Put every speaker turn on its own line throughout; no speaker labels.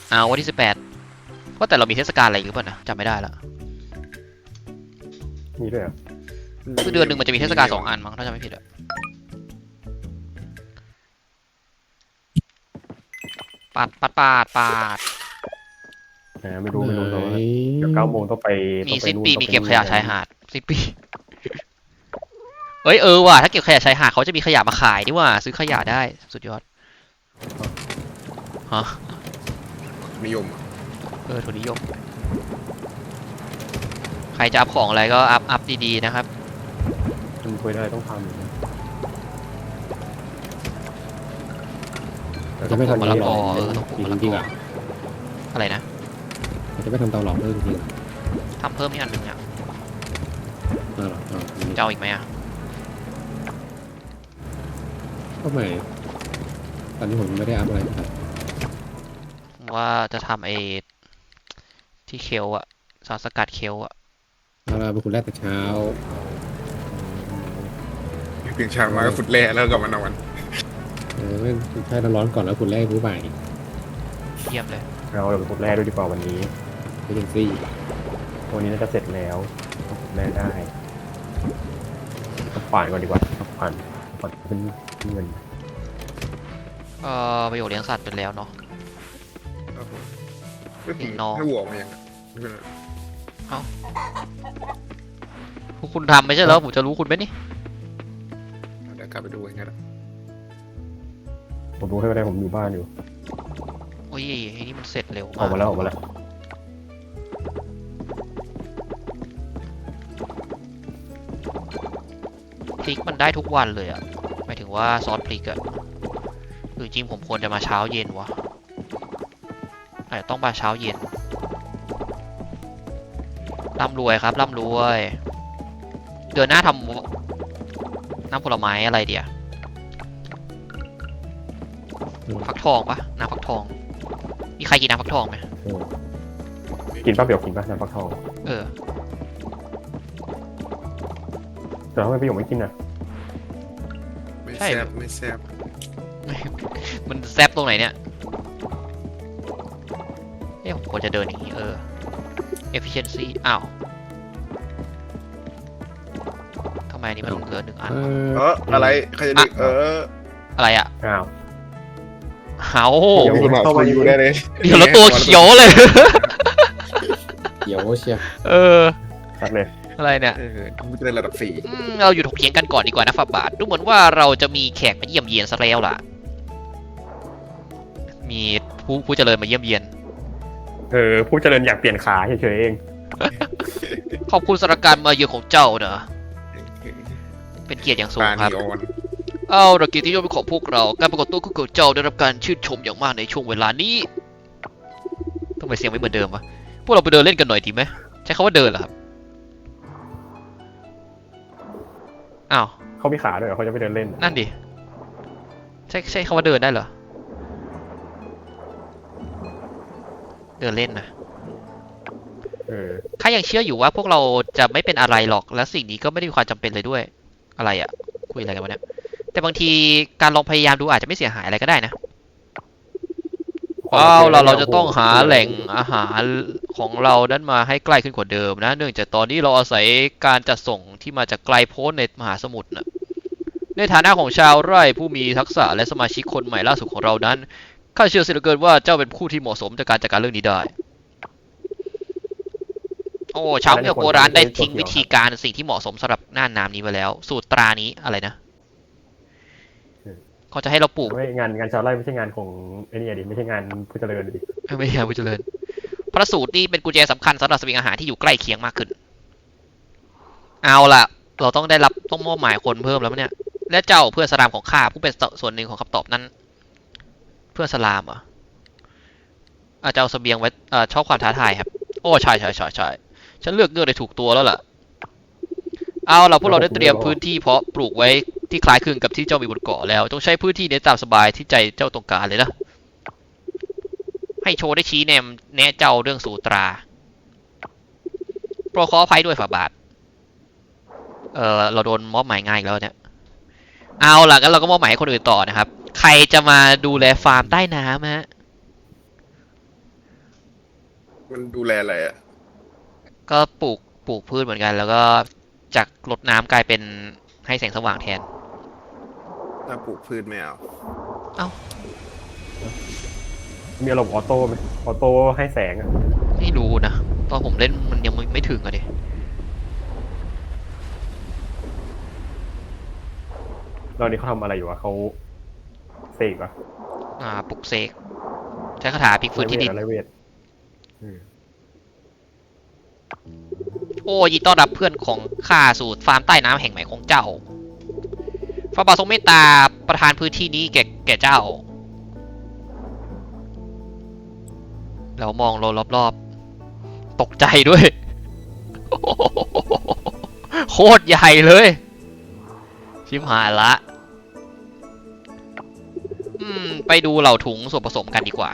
วันที่18ว่าแต่เรามีเทศกาลอะไรหรือเปล่านะจำไม่ได้ละ
มีด้วยเหรอ
คือเดือนหนึ่งมันจะมีเทศกาล2 อันมั้งถ้าจำไม่ผิดอะปาด
ไม่รู้ตัวเดี๋ยว9 โมงต้องไป
มีสิ้นปีมี
ต้องไป
เก็บขยะชายหาดสิ้นปีเอ้ยว่ะถ้าเก็บขยะชายหาดเขาจะมีขยะมาขายนี่ว่ะซื้อขยะได้สุดยอดฮะ
นิยม
ทุนนิยมใครจะอัพของอะไรก็อัพดีๆนะครับ
มันคุยอะไรต้องทำ
จะไม่ทำมะละกอต้องปลูกมะละกออะไรนะ
จะไม่ทำเตาหลอมเพิ่มจริง
ทำเพิ่มนี่อันหนึ่งเนี่ยจะเอาอีกไหมอ่ะ
ก็ไม่ตอนนี้ผมไม่ได้อัพอะไรครับ
ว่าจะทำที่เคลอะสารสกัดเคลอะ
เราเป็นคนแรกแต่เช้า
เปลี่ยนชามาฟุตแร่แล้วกลับมานอน
ไม่ใช่ร้อนก่อนแล้วคุณแรกผู้บ่าย
เยี่ยมเลย
เราเป็นคนแรกด้วยดีกว่าวันนี้
ไม่ยังซี่
วันนี้น่าจะเสร็จแล้วแรกได้ผ่านก่อนดีกว่าผ่านเป็นเงิน
ประโยชน์เลี้ยงสัตว์เป็นแล้วเนาะ
น้องให้วัวมาอย่าง
คุณทำไม่ใช่เหรอผมจะรู้คุณไหมนี่
เดี๋ยวกลับไปดูอย่างเงี้ย
ผมรู้ให้ได้ผมอยู่บ้านอยู่
โอ้ยนี่มันเสร็จเร็ว
ออกมาแล้ว
พริกมันได้ทุกวันเลยอะหมายถึงว่าซอสพริกอะหรือจริงผมควรจะมาเช้าเย็นวะต้องมาเช้าเย็นร่ำรวยครับร่ำรวยเดือนหน้าทำน้ำผลไม้อะไรเดียวฟักทองปะน้ำฟักทองมีใครกินน้ำฟักทองไหม
กินป้าเปียวกินป้าน้ำฟักทองแต่ทำไมพี่หยกไม่กินอ่ะ
ไม่แซ่บ
มันแซ่บตรงไหนเนี่ยผมควรจะเดินอย่างนี้efficiency ทำไมนี่มันเหลือ1 อัน
อะไรใครจะดึก
อะไรอ่ะ
เดี๋ยวคุณหมอเข้ามาอยู่ได้เลย
เดี๋ยวแล้วตัวเขียวเลย
เขียวเชีย
ครับเลย
อะไรเนี่ย
มันจะเป็นระดับ4
เราอยู่ถกเถียงกันก่อนดีกว่านะฝาบาทดูเหมือนว่าเราจะมีแขกมาเยี่ยมเยียนซะแล้วล่ะมีผู้เจริญมาเยี่ยมเยียน
ผู้เจริญอยากเปลี่ยนขาเฉยๆเอง
ขอบคุณสำหรับการมาเยือนของเจ้าเนอะเป็นเกียรติอย่างสูงครับเกียรติที่ยศเป็นของพวกเราการปรากฏตัวของเจ้าได้รับการชื่นชมอย่างมากในช่วงเวลานี้ทำไมเสียงไม่เหมือนเดิมวะพวกเราไปเดินเล่นกันหน่อยดีไหมใช้คำว่าเดินเหรอครับ
เขามีขาด้วยเหรอเขาจะไปเดินเล่น
นั่นดิใช่คำว่าเดินได้เหรอเดินเล่นนะข้ายังเชื่ออยู่ว่าพวกเราจะไม่เป็นอะไรหรอกและสิ่งนี้ก็ไม่ได้มีความจำเป็นเลยด้วยอะไรอ่ะคุยอะไรกันวะเนี่ยแต่บางทีการลองพยายามดูอาจจะไม่เสียหายอะไรก็ได้นะเราจะต้องหาแหล่งอาหารของเรานั้นมาให้ใกล้ขึ้นกว่าเดิมนะเนื่องจากตอนนี้เราอาศัยการจัดส่งที่มาจากไกลโพ้นในมหาสมุทรนะในฐานะของชาวไร่ผู้มีทักษะและสมาชิกคนใหม่ล่าสุดของเรานั้นข้าเชื่อเสียเหลือเกินว่าเจ้าเป็นผู้ที่เหมาะสมในการจัดการเรื่องนี้ได้ชาวเมืองโบราณได้ทิ้งวิธีการสิ่งที่เหมาะสมสำหรับหน้าน้ำนี้ไปแล้วสูตรตรานี้อะไรนะเขาจะให้เราปลูก
งานชาวไร่ไม่ใช่งานของไอ้นี่ดิไม่ใช่งานผู้เจริญดิ
ไม่ใช่ผู้เจริญพระสูตรนี่เป็นกุญแจสำคัญสำหรับเสบียงอาหารที่อยู่ใกล้เคียงมากขึ้นเอาล่ะเราต้องมอบหมายคนเพิ่มแล้วเนี่ยและเจ้าเพื่อนสลามของข้าผู้เป็นส่วนหนึ่งของคำตอบนั้นเพื่อนสลามเจ้าเสบียงไว้ชอบความท้าทายครับใช่ฉันเลือกเงื่อนได้ถูกตัวแล้วล่ะเอาล่ะพวกเราได้เตรียมพื้นที่เพาะปลูกไว้ที่คล้ายคลึงกับที่เจ้ามีบนเกาะแล้วต้องใช้พื้นที่นี้ตามสบายที่ใจเจ้าต้องการเลยนะให้โชว์ได้ชี้แนะเจ้าเรื่องสูตราโปรขออภัยด้วยฝ่าบาทเราโดนมอบหมายง่ายแล้วเนี่ยเอาล่ะงั้นเราก็มอบหมายให้คนอื่นต่อนะครับใครจะมาดูแลฟาร์มใต้น้ำฮะ
มันดูแลอะไรอ่ะ
ก็ปลูกพืชเหมือนกัน แล้วก็จากรดน้ำกลายเป็นให้แสงสว่างแทน
ถ้าปลูกพืชไม่เอา
มีอารมณ์ออโต้ไหมออโต้ให้แสงอะ
ไม่รู้นะตอนผมเล่นมันยังไม่ถึงอะดิ
ตอนนี้เขาทำอะไรอยู่วะเขาเสกวะ
ปลุกเสกใช้คาถาพลิกฟื้นที่ดิน
ไรเวทอืม
โอ้ยินดีต้อนรับเพื่อนของข้าสู่ฟาร์มใต้น้ำแห่งใหม่ของเจ้าพระบาททรงเมตตาประทานพื้นที่นี้แก่เจ้า แล้วมองรอบๆ ตกใจด้วย โคตรใหญ่เลย ชิมหายละ ไปดูเหล่าถุงส่วนผสมกันดีกว่า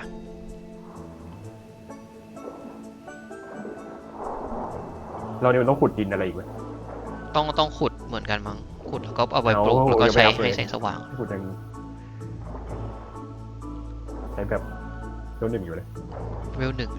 เราเนี่ยมันต้องขุดดินอะไรอีกไหม
ต้องขุดเหมือนกันมั้งขุดแล้วก็เอาไปปลูก
เอา
แล้วก็ใช้
เอาไป
ให้แสงสว่าง
ขุดยังใช้แบบเท่าหนึ่งอยู่เลย
เวล 1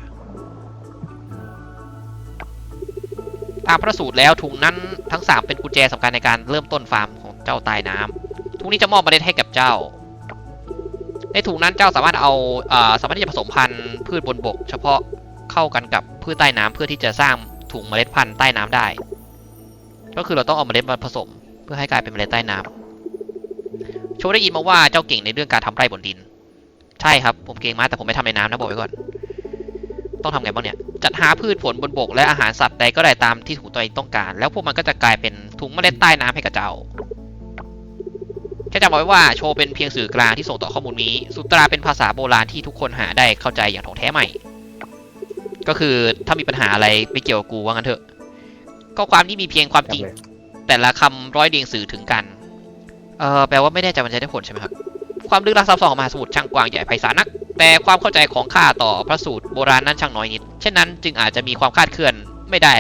ตามพระสูตรแล้วถุงนั้นทั้ง 3 เป็นกุญแจสำคัญในการเริ่มต้นฟาร์มของเจ้าใต้น้ำถุงนี้จะมอบเมล็ดให้กับเจ้า ในถุงนั้นเจ้าสามารถสามารถที่จะผสมพันธุ์พืชบนบก เฉพาะเข้ากันกับพืชใต้น้ำเพื่อที่จะสร้างถุงเมล็ดพันธุ์ใต้น้ำได้ ก็คือเราต้องเอาเมล็ดมาผสมเพื่อให้กลายเป็นเมล็ดใต้น้ำโชว์ได้ยินมาว่าเจ้าเก่งในเรื่องการทำไร่บนดิน ใช่ครับผมเก่งมากแต่ผมไม่ทำในน้ำนะบอกไว้ก่อน ต้องทำไงบ้างเนี่ยจัดหาพืชผลบนบกและอาหารสัตว์ใดก็ได้ตามที่ถุงตัวเองต้องการ แล้วพวกมันก็จะกลายเป็นถุงเมล็ดใต้น้ำให้กับเจ้าแค่จำเอาไว้ว่าโชว์เป็นเพียงสื่อกลางที่ส่งต่อข้อมูลนี้สุตราเป็นภาษาโบราณที่ทุกคนหาได้เข้าใจอย่างถ่องแท้ใหม่ ก็คือถ้ามีปัญหาอะไรไม่เกี่ยวกับกูว่างั้นเถอะก็ความที่มีเพียงความจริง
เลย
แต่ละคำร้อยเรียงสื่อถึงกันแปลว่าไม่แน่ใจมันจะได้ผลใช่ไหมครับความลึกลับซับซ้อนของมหาสมุทรช่างกว้างใหญ่ไพศาลนักแต่ความเข้าใจของข้าต่อพระสูตรโบราณนั้นช่างน้อยนิดเช่นนั้นจึงอาจจะมีความคลาดเคลื่อนไม่ได้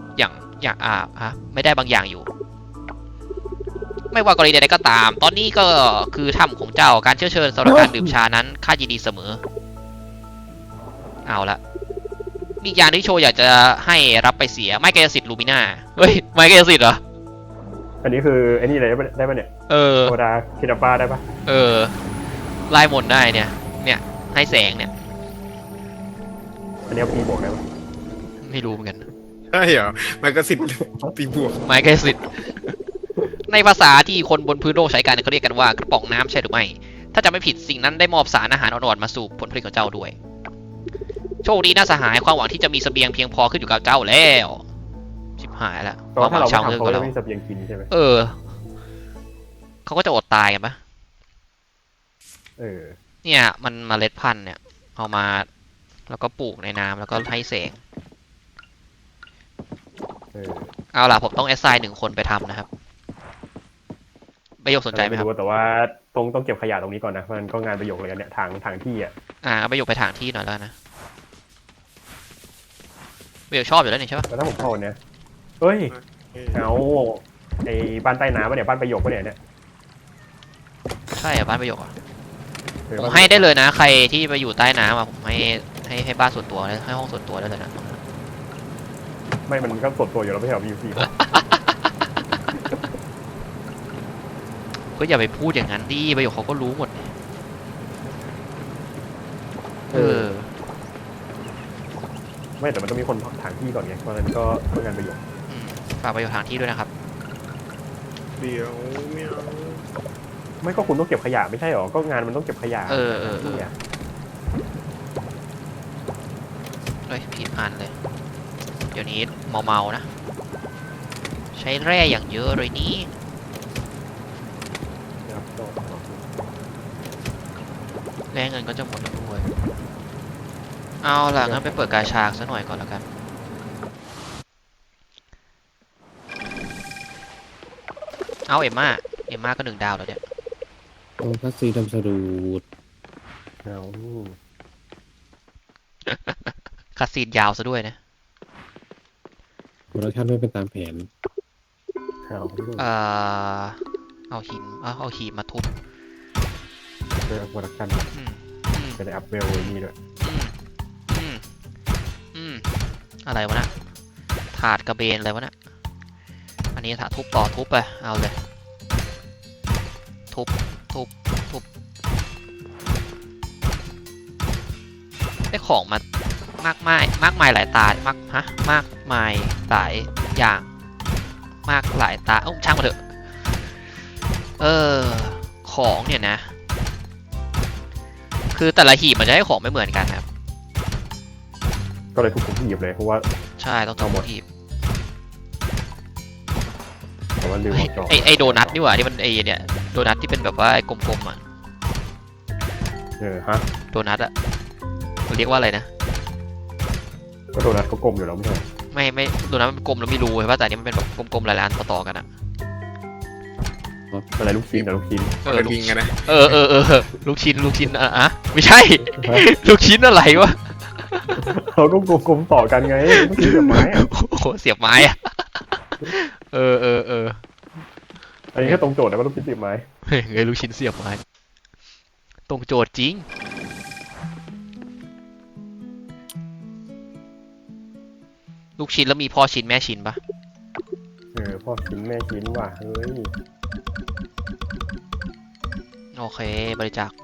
ไม่ได้บางอย่างอยู่ ไม่ว่ากรณีใดๆก็ตาม ตอนนี้ก็คือถ้ำของเจ้าการเชิญสำหรับการดื่มชานั้นข้ายินดีเสมอเอาละมีอย่างที่โชว์อยากจะให้รับไปเสียไม้กายสิทธิ์ลูมิน่าเฮ้ยไม้กายสิทธิ์เหรอ
อันนี้คือไอ้นี่เลยได้ปะเนี่ย โซดาคินาป้าได้ปะ
ไล่มนต์ได้เนี่ยให้แสงเนี่ย
อันนี้เอาปีบวกได้ปะ
ไม่รู้เหมือนกัน
ใช่เหรอมันก็สิบตีบวก
ไม้กายสิทธิ์ ในภาษาที่คนบนพื้นโลกใช้กันเขาเรียกกันว่ากระป๋องน้ำใช่หรือไม่ ถ้าจะไม่ผิดสิ่งนั้นได้มอบสารอาหารอ่อนๆมาสู่ผลผลิตของเจ้าด้วย โชคดีน่าสหายความหวังที่จะมีเสบียงเพียงพอขึ้นอยู่กับเจ้าแล้วชิบหายแล้ว
แต่ว่าถ้าเราไม่
ชาว
ทำ
เมือง
เขา
กับ
จะ
เรา
ไม่มีเสบียงกินใช่ไหม
เขาก็จะอดตายกันปะ
เออ
เนี่ยมันเมล็ดพันธุ์เนี่ยเอามาแล้วก็ปลูกในน้ำแล้วก็ให้แสง
เออ
เอาล่ะผมต้องแอสไซน์1 คนไปทำนะครับประโยคสนใจไหมครับ
แต่ว่าต้องเก็บขยะตรงนี้ก่อนนะมันก็งานประโยคเลยเนี่ยทางที่อ่ะ
ประโยคไปถางที่หน่อยแล้วกันนะประโยคชอบอยู่แล้วนี่ใช่ปะ
แล้วถ้าผมเข้าเนี่ยเฮ้ยเอาไอ้บ้านใต้น้ำปะเนี่ยบ้านประโยคปะเนี่ย
ใช่อะบ้านประโยคอะ
เออ
ผมให้ได้เลยนะ ใครที่ไปอยู่ใต้น้ำอะผมให้บ้านส่วนตัวเลยให้ห้องส่วนตัวได้เลยนะ
ไม่มันก็สดตัวอยู่แล้วไม่ใช่เหรอมีอยู่4
ก็อย่าไปพูดอย่างนั้นดิประโยคเขาก็รู้หมดเนี่ย
ไม่แต่มันต้องมีคนถางที่ก่อนไงเพราะฉะนั้นก็งานประโยค
ฝากประโยชน์ทางที่ด้วยนะครับ
เดี๋ยวไม่เอา
ไม่ก็คุณต้องเก็บขยะไม่ใช่หรอก็งานมันต้องเก็บขยะ เนี่ย
เฮ้ยผิดอันเลย เดี๋ยวนี้เมาๆนะ ใช้แร่อย่างเยอะเลยนี้
นะครับก็
แร่เงินก็จะหมดแล้วด้วย เอาล่ะงั้นไปเปิดกาชาซะหน่อยก่อนแล้วกัน เอาเอ็มม่าก็1 ดาวแล้วเนี่ย
ตรงพัสซีทำสรูด
เอา
คัดซีนยาวซะด้วยนะ
โปรดักชั่นไม่เป็นตามแผน
เอา
เอาหินเอาหีบมาทุบ
เจอโปรดักชั่น
อืม
จะได้อัพเวลนี่ด้วย
อืมอะไรวะนะถาดกระเบนอะไรวะนะอันนี้ถาดทุบต่อทุบไปเอาเลยทุบได้ของมามากมายหลายตามากมายหลายอย่างมากหลายตาช่างมาเถอะของเนี่ยนะคือแต่ละหีบมันจะให้ของไม่เหมือนกันครับ
ก็เลยทุกหีบเลยเพราะว่า
ใช่ต้องทั้งหมดหีบ
แต่ว่าลืมเอาจอ
ไอโดนัทนี่หว่าที่มันไอเนี่ยโดนัทที่เป็นแบบว่าไอกลมๆอ่ะ
ฮะ
โดนัทอ่ะมันเรียกว่าอะไรนะ
ก็โดนัทเขากลมอยู่แล้วไม่ใช่
ไม่โดนัทมันกลมแล้วไม่รู้ใช่ป่ะแต่อันนี้มันเป็นแบบกลมๆหลายๆอันต่อๆกันอ่ะ
อะไรลูกชิ้นแต่ลูกชิ้น
เป็นลิงกันนะ
ลูกชิ้นอ่ะไม่ใช่ ลูกชิ้นอะไรวะ
เขาก็กลมๆต่อกันไงลูกชิ้นกับไม้อะ
โอ้โหเสียบไม้อ่ะเออ
อันนี้แค่ตรงโจทย์นะว่าลูกชิ้นติดไม้
เฮ้ยลูกชิ้นเสียบไม้ตรงโจทย์จริงลูกชิ้นแล้วมีพ่อชิ้นแม่ชิ้นปะ
พ่อชิ้นแม่ชิ้นว่ะเฮ้ย
โอเคบริจาค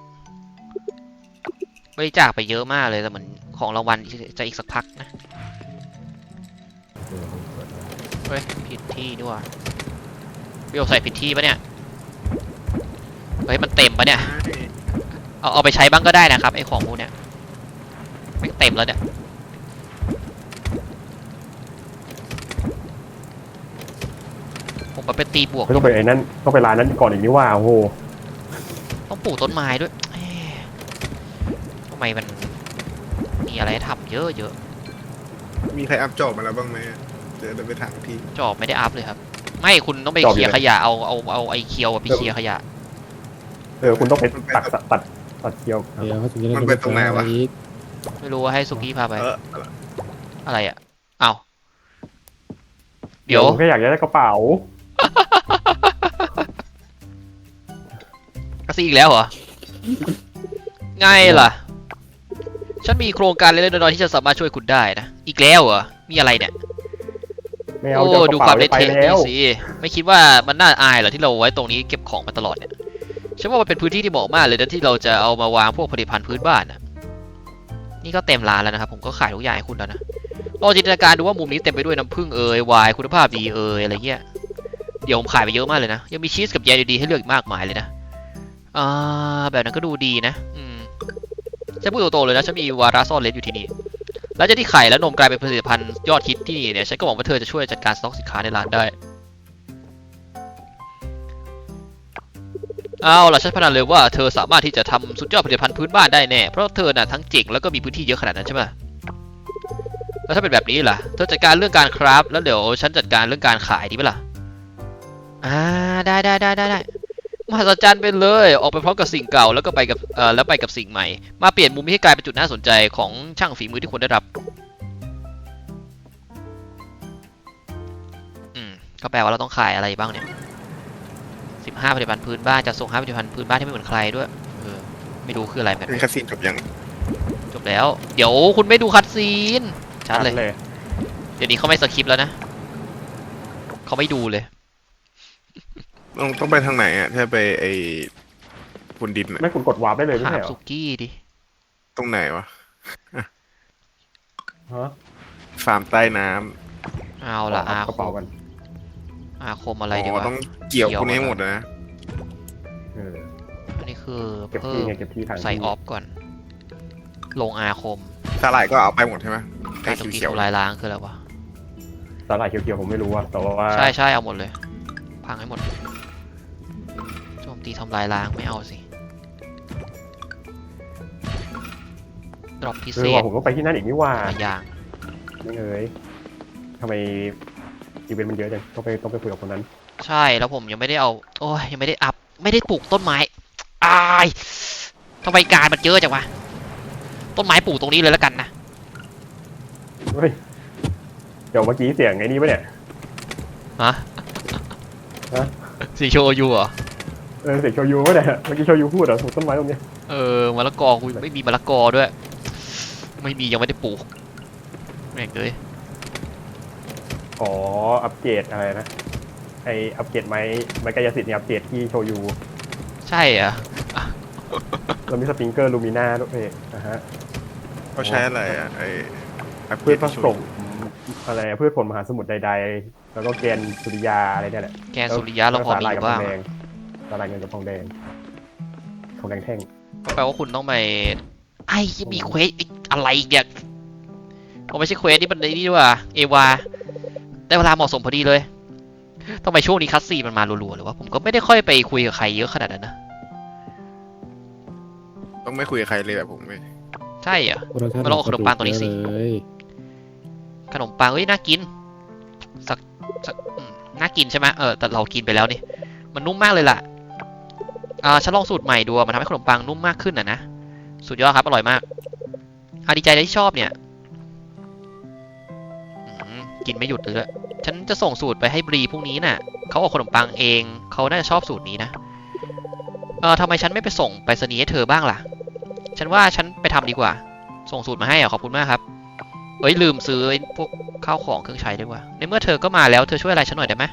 ไปเยอะมากเลยแต่เหมือนของรางวัลจะอีกสักพักนะเฮ้ยผิดที่ด้วยพี่โอใส่ผิดที่ปะเนี่ยเฮ้ยมันเต็มปะเนี่ยเอาไปใช้บ้างก็ได้นะครับไอของพวกเนี้ยไม่เต็มแล้วเนี่ยผมมาเป็นตีบวก
ไม่ต้องไปไอ้นั่นต้องไปร้านนั้นก่อนอีกนี่ว่าโอ้โห
ต้องปลูกต้นไม้ด้วยทำไมมันมีอะไรให้ทำเยอะ
มีใครอัพจอบมาแล้วบ้างไหมเดี๋ยวไปถามที
จอบไม่ได้อัพเลยครับ ไม่คุณต้องไปเคลียร์ขยะเอาไอเคียวไปเคลียร์ขยะ
คุณต้องไปตัดเคียว
เดี๋ยวเขาถึงจะได้
มันเป็นตรงไหนวะ
อีก
ไม่รู้ว่าให้สุกี้พาไป
เออ
อะไรอ่ะเอาเดี๋ยว
ผมแค่อยากได้กระเป๋า
กระซีอีกแล้วเหรอไงล่ะ ฉันมีโครงการเล็กๆน้อยๆที่จะสามารถช่วยคุณได้นะ อีกแล้วเหรอ มีอะไรเนี่ย
ไม่เอา
โอ้
จะเอาก
ดู
ระ
ค
เป๋าว
าม
ไป
เละเทะ
แล้
นี่
ว
สิ ไม่คิดว่ามันน่าอายเหรอที่เราไว้ตรงนี้เก็บของมาตลอดเนี่ย ฉันว่ามันเป็นพื้นที่ที่เหมาะมากเลยนะที่เราจะเอามาวางพวกผลิตภัณฑ์พื้นบ้านน่ะ นี่ก็เต็มร้านแล้วนะครับ ผมก็ขายทุกอย่างให้คุณแล้วนะลองจินตนาการดูว่ามุมนี้เต็มไปด้วยน้ำผึ้งไวน์คุณภาพดีอะไรเงี้ย เดี๋ยวผมขายไปเยอะมากเลยนะ ยังมีชีสกับแยมดีๆให้เลือกอีกมากมายเลยนะแบบนั้นก็ดูดีนะฉันพูดตรงๆเลยนะฉันมีวาระซ่อนเร้นอยู่ที่นี่ แล้วจะที่ไข่และนมกลายเป็นผลิตภัณฑ์ยอดฮิตที่นี่เนี่ย ฉันก็หวังว่าเธอจะช่วยจัดการสต็อกสินค้าในร้านได้ เอาล่ะฉันพนันเลยว่าเธอสามารถที่จะทำสุดยอดผลิตภัณฑ์พื้นบ้านได้แน่ เพราะเธอน่ะทั้งเจ๋งแล้วก็มีพื้นที่เยอะขนาดนั้นใช่ไหมแล้วถ้าเป็นแบบนี้ล่ะ เธอจัดการเรื่องการคราฟแล้วเดี๋ยวฉันจัดการเรื่องการขายดีไหมล่ะได้มหัศจรรย์ไปเลยออกไปพร้อมกับสิ่งเก่าแล้วก็ไปกับสิ่งใหม่มาเปลี่ยนมุมให้กลายเป็นจุดน่าสนใจของช่างฝีมือที่คุณได้รับก็แปลว่าเราต้องขายอะไรบ้างเนี่ย15ผลิตภัณฑ์พื้นบ้านจะส่ง5ผลิตภัณฑ์พื้นบ้านที่ไม่เหมือนใครด้วยไม่รู้คืออะไรแบบ
เป็นคาสินจบยัง
จบแล้วเดี๋ยวคุณไม่ดูคัดซีนชัดเลย
เลย
เดี๋ยวนี้เขาไม่สคริปต์แล้วนะเขาไม่ดูเลย
ต้องไปทางไหนอ่ะถ้าไปไอ้บนดินอ่ะ
ไม่คุณกดวาร์ปได้เลยไม่
ถาม
ใช่เหรอ
สุกี้ดิ
ตรงไหนวะ
ฮะ
ฟาร์มใต้น้
เอาละ
กระเป๋ากัน
อาคม
ำ
อะไรดีวะ
ต้องเกี่ยวพวกนี้ให้หมดนะ
อันนี้คือ
เก็บ
เพิ่
ที่
ม
ไงเก็บที่ทาง
ใส่ออฟก่อน ลงอาคม
สาหร่ายก็เอาไปหมดใช่ไหมไอ้
การโจมตี
เขียว
ทำลายล้างคืออะไรวะ
สาหร่ายเขียวๆผมไม่รู้อะแต่ว่า
ใช่เอาหมดเลย พังให้หมดโจมตีทำลายล้างไม่เอาสิดรอปพิเศษ
ว่าผมก็ไปที่นั่นอีกนี่ว่า
หลายอย่าง
ไม่เอ้ยทำไมอีเวนต์มันเยอะจังต้องไปคุยกับคนนั้น
ใช่แล้วผมยังไม่ได้เอาโอ้ยยังไม่ได้อัพไม่ได้ปลูกต้นไม้อายทำไมการมันเยอะจังวะต้นไม้ปลูกตรงนี้เลยแล้วกันนะ
เฮ้ยเดี๋ยวเมื่อกี้เสียงไอ้นี่ปะเนี่ย
ฮะสีโชยูเหรอ
เสียงโชยูปะเนี่ยเมื่อกี้โชยูพูดเหรอถูกต้นไม้ตรงเนี้ย
มะละกอกูไม่มีมะละกอด้วย ไม่มียังไม่ได้ปลูกแม่งเลย
อ๋ออัปเกรดอะไรนะไออัปเกรดไม้กายสิทธิ์เนี่ยอัปเกรดที่โชยู
ใช่เหรอ
เรามีสปริงเกอร์ลูมิน่าด้วยนะฮะ
เขาใช้อะไรอ่ะไออัปเก
พื
ร
ช
ด
ผ
ที่
ส
ช่วย
มอะไรพืชผลมหาสมุทรใดๆ แล้วก็แกนสุริยาอะไรเนี่ยแหละ
แกนสุริยะเราพอมีอยู่บ้าง
สาหร่ายเงินกับทองแดงแท่ง
ก็แปลว่าคุณต้องไปไอ้ยังมีเควสอีกอะไรอีกเนี่ยเอาไม่ใช่เควสนี่มันไอ้นี่ด้วยว่ะเอวาได้เวลาเหมาะสมพอดีเลยทำไมช่วงนี้คัสซีนมันมารัวๆหรือว่าผมก็ไม่ได้ค่อยไปคุยกับใครเยอะขนาดนั้นนะ
ต้องไม่คุยกับใครเลยแบบผมไม่
ใช่เหรอ
โปรดักชั่น
มาลองเอาขนมปังตัวนี้สิ
เลย
ขนมปังเอ้ยน่ากินสักน่ากินใช่ไหมแต่เรากินไปแล้วนี่มันนุ่มมากเลยล่ะฉันลองสูตรใหม่ดูมันทำให้ขนมปังนุ่มมากขึ้นนะสุดยอดครับอร่อยมากดีใจที่ชอบเนี่ยกินไม่หยุดเลยฉันจะส่งสูตรไปให้บรีพรุ่งนี้น่ะเขาเอาขนมปังเองเขาน่าจะชอบสูตรนี้นะทำไมฉันไม่ไปส่งไปรษณีย์ให้เธอบ้างล่ะฉันว่าฉันไปทำดีกว่าส่งสูตรมาให้ขอบคุณมากครับลืมซื้อพวกข้าวของเครื่องใช้ด้วยว่ะในเมื่อเธอก็มาแล้วเธอช่วยอะไรฉันหน่อยได้ไหม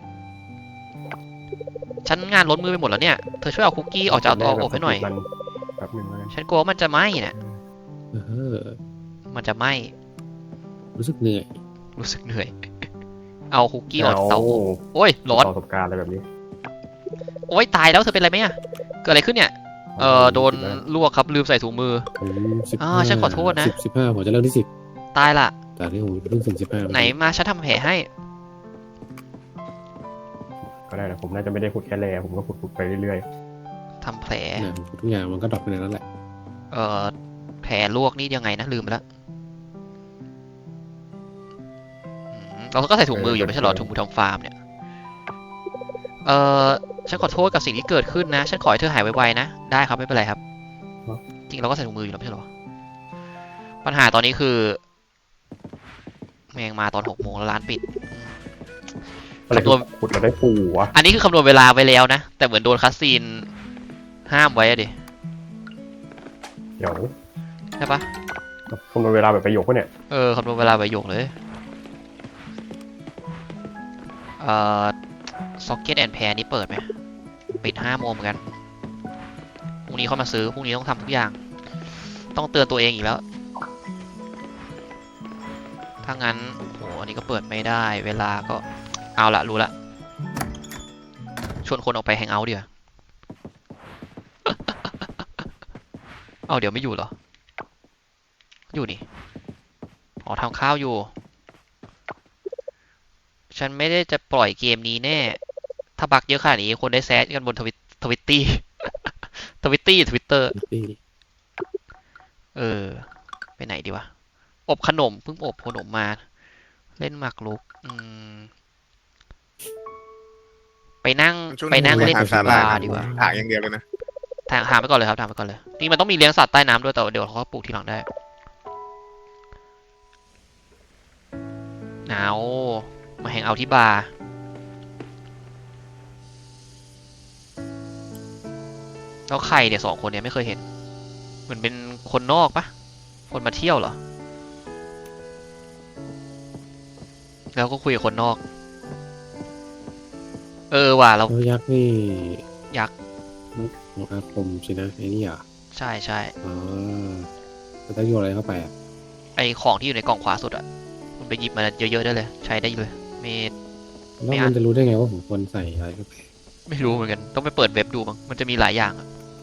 ฉันงานล้นมือไปหมดแล้วเนี่ยเธอช่วยเอาคุกกี้ออกจากเตาอบให้หน่อย
แบบนึงเลย
ฉันกลัวว่ามันจะไหม้น่ะ
เออ
มันจะไหม้
รู้สึกเหนื่อย
รู้สึกเหนื่อย เอาคุกกี้ออกจากเตาอบโอ้ยร้อน
ประสบการณ์อะไรแบบนี้
โอ้ยตายแล้วเธอเป็นอะไรไหมอ่ะเกิดอะไรขึ้นเนี่ยโดนลวกครับลืมใส่ถุงมือ
ผม
ฉันขอโทษนะ
15ผมจะเริ่มที่10
ตายละ
แต่ที่ผมเพิ่งถึง15
ไหนมาฉันทำแผลให้
ก็ได้นะผมน่าจะไม่ได้ขุดแค่แร่ผมก็ขุดไปเรื่อย
ทำแผล
เนี่ยทุกอย่างมันก็ดรอปไปในนั้นแหละ
แผลลวกนี่ยังไงนะลืมไปแล้วเราก็ใส่ถุงมืออยู่ไม่ใช่เหรอถุงมือทำฟาร์มเนี่ยฉันขอโทษกับสิ่งที่เกิดขึ้นนะฉันขอให้เธอหายไวๆนะได้ครับไม่เป็นไรครับจริงเราก็ใส่ถุงมืออยู่แล้วไม่ใช่เหรอปัญหาตอนนี้คือแมงมาตอน6 โมงแล้วร้านปิด
ๆอะไรคือขุดเราได้ปูวะ
อันนี้คือคำนวณเวลาไว้แล้วนะแต่เหมือนโดนคัสซีนห้ามไว้อะดิ
เดี๋ยว
ใช่ปะ
คำนวณเวลาแบบประโยคปะเนี่ย
คำนวณเวลาไว้โยกเลยซ็อกเก็ตแอนด์แพรนี่เปิดไหมปิด5 โมงเหมือนกันพรุ่งนี้เข้ามาซื้อพรุ่งนี้ต้องทำทุกอย่างต้องเตือนตัวเองอีกแล้วถ้างั้นโหอันนี้ก็เปิดไม่ได้เวลาก็เอาละรู้ละชวนคนออกไปแฮงเอาท์ดีกว่า เอาเดี๋ยวไม่อยู่เหรออยู่นี่อ๋อทำข้าวอยู่ฉันไม่ได้จะปล่อยเกมนี้แน่ถ้าบักเยอะขนาดนี้คนได้แซดกันบนทวิตตี้ ทวิตเตอร์ไปไหนดีวะอบขนมเพิ่งอบขนมมาเล่นหมากรุกไปนั่ง
ช่วง
เล่น
หา
ที่
สาห
บา
ร่าย
ร์ดีกว่า
ถางอย่างเดียวเลยนะ
ถามไปก่อนเลยครับถามไปก่อนเลยนี่มันต้องมีเลี้ยงสัตว์ใต้น้ำด้วยแต่เดี๋ยวเขาปลูกทีหลังได้เอามาแฮงเอาท์ที่บาร์แล้วใครเนี่ย2 คนเนี่ยไม่เคยเห็นเหมือนเป็นคนนอกปะคนมาเที่ยวเหรอแล้วก็คุยกับคนนอกว่ะเรา
แล้วยักษ์นี่
ยักษ์
ของอาคมสินะไอ้นี่อ่ะ
ใช่
อ๋อแล้วต้องโยนอะไรเข้าไปอ่ะ
ไอของที่อยู่ในกล่องขวาสุดอะคุณไปหยิบมาเยอะๆได้เลยใช้ได้เลยไม่
แล้วมันจะรู้ได้ไงว่าผมควรใส่อะไรเข้าไป
ไม่รู้เหมือนกันต้องไปเปิดเว็บดูมั้งมันจะมีหลายอย่างอะ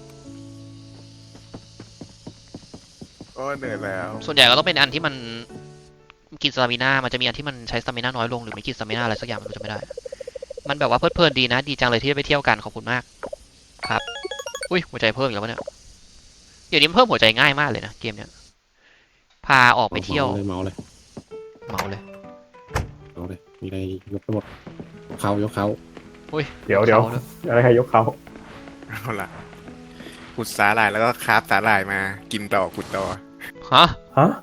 โอ้เหนื่อยแล้ว
ส่วนใหญ่ก็ต้องเป็นอันที่มันกินสตามิน่ามันจะมีอันที่มันใช้สตามิน่าน้อยลงหรือไม่กินสตามิน่าอะไรสักอย่างมันจะไม่ได้มันแบบว่าเพลินดีนะดีจังเลยที่ได้ไปเที่ยวกันขอบคุณมากครับอุ้ยหัวใจเพิ่มอีกแล้ววะเนี่ยเดี๋ยวนี้เพิ่มหัวใจง่ายมากเลยนะเกมเนี้ยพาออกไปเที่ยว
เมาเลย มีอะไรยกไปหมดยกเขา
เดี๋ยวอะไรใครยกเขา
เอาละขุดสาหร่ายแล้วก็คราฟสาหร่ายมากินต่อขุดต่อ
ฮะ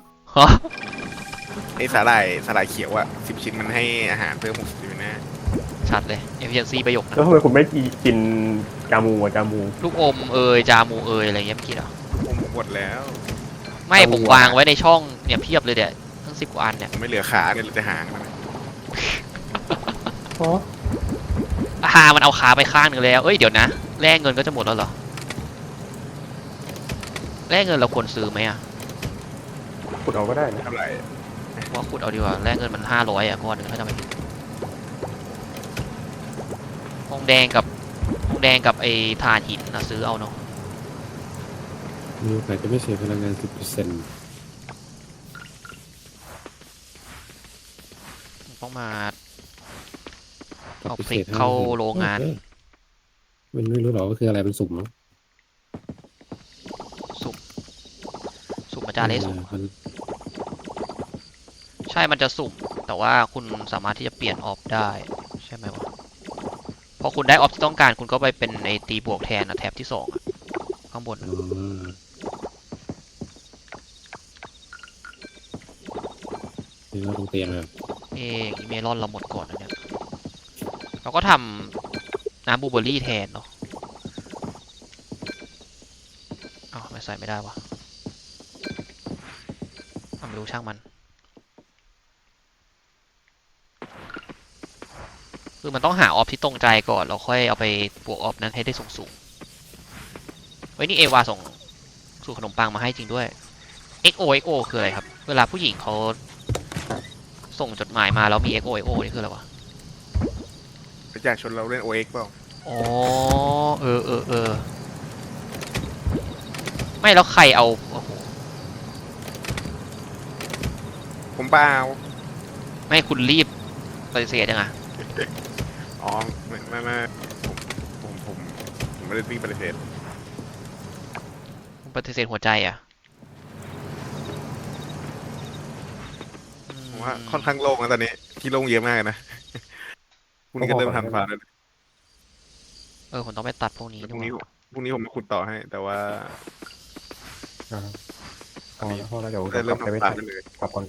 ไอสาหร่ายเขียวอ่ะ10 ชิ้นมันให้อาหารเพิ่ม60อยู่นะ
ชัดเลย efficiency ประโยคนะ
แล้วทำไมคุณไม่กินจามู
ลูกอมจามูอะไรเงี้ยไม่กินเหรอ
ผมหมดแล้ว
ไม่ผมวางไว้ในช่องเนี่ยเพียบเลยเดี๋ยวทั้ง10 กว่าอันเนี่ย
ไม่เหลือขาเนี่ยเหลือแต่หางมัน
โ
อ๋อ
มันเอาขาไปข้างหนึ่งแล้วเอ้ยเดี๋ยวนะแลกเงินก็จะหมดแล้วเหรอแลกเงินเราควรซื้อไหมอะ
ขุดเอาก็ได้นะ
เท่าไหร่
ว่าขุดเอาดีกว่าแลกเงินมัน500อะก้อนหนึ่งถ้าจำไม่ผิดทองแดงกับไอ้ถ่านหินนะซื้อเอาเนาะ
มีโอกาสจะไม่ใช้พลังงาน 10%
ต้องมาเอาพริกเข้าโรงงาน
มันไม่รู้หรอกว่าคืออะไรมันสุ่มเนาะ
สุ่มอาจารย์เลสุ่ม
มัน
ใช่มันจะสุ่มแต่ว่าคุณสามารถที่จะเปลี่ยนออฟได้ใช่ไหมวะพอคุณได้ออฟที่ต้องการคุณก็ไปเป็นไอตีบวกแทนนะแท็บที่2อะข้างบน
อ๋
อะ
อนี่เราตรงเตียงเลย
อีเมลอนเราหมดก่อนนะเนี่ยเราก็ทำน้ำบลูเบอร์รี่แทนเนาะอ้าวไม่ใส่ไม่ได้วะไม่รู้ช่างมันคือมันต้องหาออฟที่ตรงใจก่อนเราค่อยเอาไปบวกออฟนั้นให้ได้สูงๆเฮ้ยนี่เอวาส่งสูตรขนมปังมาให้จริงด้วย XO คืออะไรครับเวลาผู้หญิงเขาส่งจดหมายมาแล้วมี XO นี่คืออะไรวะ
ไปจากชนเราเล่น OX เปล่า
อ๋อเออไม่แล้วใครเอาโอ้โห
ผมเปล่า
ไม่คุณรีบปฏิเสธยังไง
อ๋อไม่ผมไม่ได้ตีปฏิเสธ
คุณปฏิเสธหัวใจอ่ะ
ผมว่าค่อนข้างโล่งนะตอนนี้ที่โล่งเยอะมากนะ คุณก็เริ่มทำฟาร์มแล้ว
ผมต้องไปตัดพวกนี้
พ
ด้
รุ่
ว
ง
ย
นี้พรุ่งนี้ผมมาขุดต่อให้ แต่ว่า
อ่าพอแล้วเดี๋ยว
ได้
ก
เริ่
ลั
ม
บไปไม่
ทำฟา
ทั
ร์
น
มได้เลย
กลับก่อน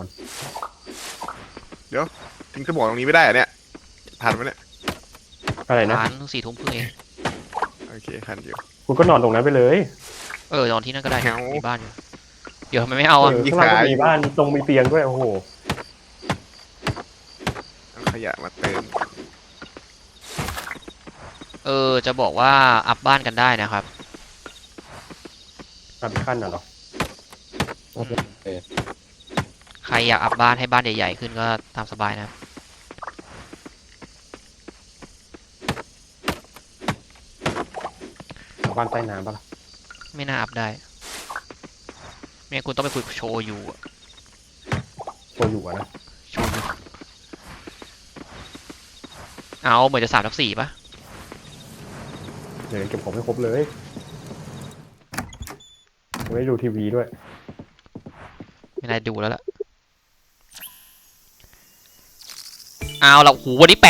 ทิ้งสมองตรงนี้ไม่ได้เหรอเนี่ยทันไหมเนี่ย
อะไรนะ
ร้าน4 ทุ่มครึ่งเอง
โอเคทันอยู่
คุณก็นอนตรงนั้นไปเลย
นอนที่นั่นก็ได้
แถว
มีบ้านอยู่เดี๋ยวทำไมไม่เอาอ่ะ
ข้างล่างก็มีบ้านตรงมีเตียงด้วยโอ้โห
เอาขยะมาเติม
จะบอกว่าอัพบ้านกันได้นะครับ
อัพอีกขั้นน่ะเหรอ
โอเค
ใครอยากอัพบ้านให้บ้านใหญ่ๆขึ้นก็ตามสบายนะครับ
บ้านใต้น้ำปะล่ะ
ไม่น่าอัพได้ไม่งั้นคุณต้องไปคุยโชว์อยู่อะ
โชอยู่อะนะ
โชว์อยู่เอาเหมือนจะ3/4ป่ะ
เดี๋ยวเก็บของให้ครบเลยไม่ได้ดูทีวีด้วย
ไม่ได้ดูแล้วล่ะเอาละโหวันนี้ 80,000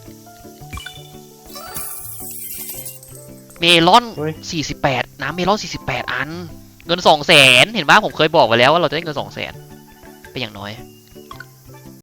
เมลอน
เฮ้ย
48น้ำเมลอน48 อัน เงิน 200,000 เห็นป่ะผมเคยบอกไว้แล้วว่าเราจะได้เงิน 200,000เป็นอย่างน้อย